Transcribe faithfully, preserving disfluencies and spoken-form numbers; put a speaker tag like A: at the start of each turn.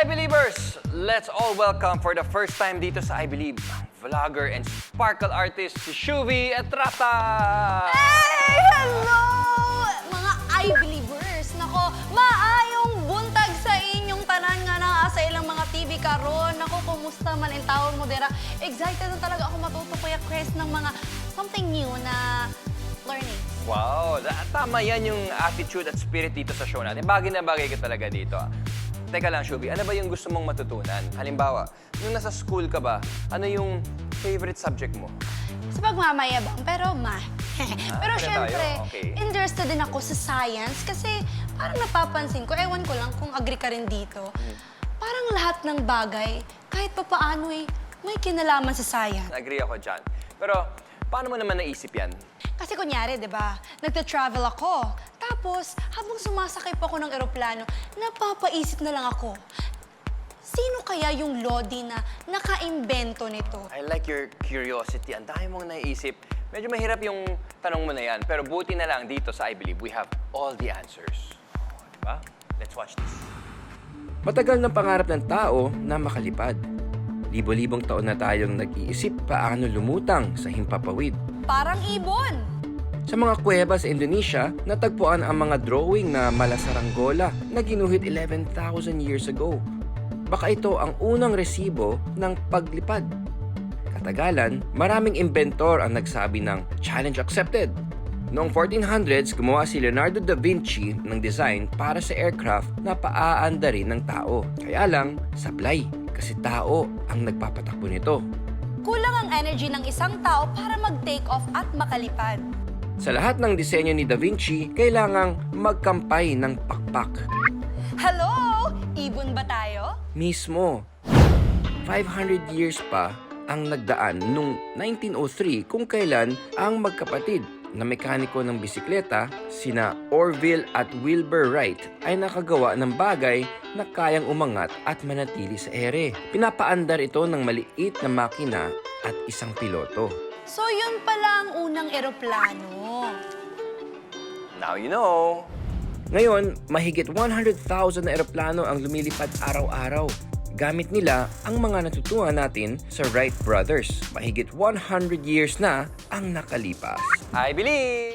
A: I-Believers! Let's all welcome for the first time dito sa I Believe, vlogger and sparkle artist si Shuvi Etrata!
B: Hey! Hello! Mga I-Believers! Nako, maayong buntag sa inyong tanan nga na sa ilang mga T V karon. Nako, kumusta man ang tawon mo dira? Excited na talaga ako matuto, Kuya Chris, ng mga something new na learning.
A: Wow! da- Tama yan yung attitude at spirit dito sa show natin. Bagay na bagay ka talaga dito. Teka lang, Shuvi, ano ba yung gusto mong matutunan? Halimbawa, nung nasa school ka ba, ano yung favorite subject mo?
B: Sa pagmamayabang, pero ma. pero
A: ano
B: syempre,
A: tayo? Okay.
B: interested din ako sa science kasi parang napapansin ko, ewan ko lang kung agree ka rin dito, parang lahat ng bagay, kahit pa paano eh, may kinalaman sa science.
A: Agree ako dyan. Pero, paano mo naman naisip yan?
B: Kasi kunyari, di ba, nagta-travel ako. Tapos, habang sumasakay pa ako ng eroplano, napapaisip na lang ako, sino kaya yung Lodi na naka-imbento nito?
A: I like your curiosity. Ang dami mong naiisip. Medyo mahirap yung tanong mo na yan. Pero buti na lang dito sa I Believe, we have all the answers. Oh, diba? Let's watch this.
C: Matagal ng pangarap ng tao na makalipad. Libo-libong taon na tayong nag-iisip paano lumutang sa himpapawid.
B: Parang ibon.
C: Sa mga kuweba sa Indonesia, natagpuan ang mga drawing na malasaranggola na ginuhit eleven thousand years ago. Baka ito ang unang resibo ng paglipad. Katagalan, maraming inventor ang nagsabi ng challenge accepted. Noong fourteen hundreds, gumawa si Leonardo da Vinci ng design para sa aircraft na paaandarin ng tao. Kaya lang, sablay, kasi tao ang nagpapatakbo nito.
B: Kulang ang energy ng isang tao para mag-take off at makalipad.
C: Sa lahat ng disenyo ni Da Vinci, kailangang magkampay ng pakpak.
B: Hello? Ibon ba tayo?
C: Mismo. five hundred years pa ang nagdaan nung nineteen oh three kung kailan ang magkapatid na mekaniko ng bisikleta, sina Orville at Wilbur Wright, ay nakagawa ng bagay na kayang umangat at manatili sa ere. Pinapaandar ito ng maliit na makina at isang piloto.
B: So yun pala ang unang eroplano.
A: Now you know.
C: Ngayon, mahigit one hundred thousand na eroplano ang lumilipad araw-araw. Gamit nila ang mga natutuhan natin sa Wright Brothers. Mahigit one hundred years na ang nakalipas.
A: I Believe!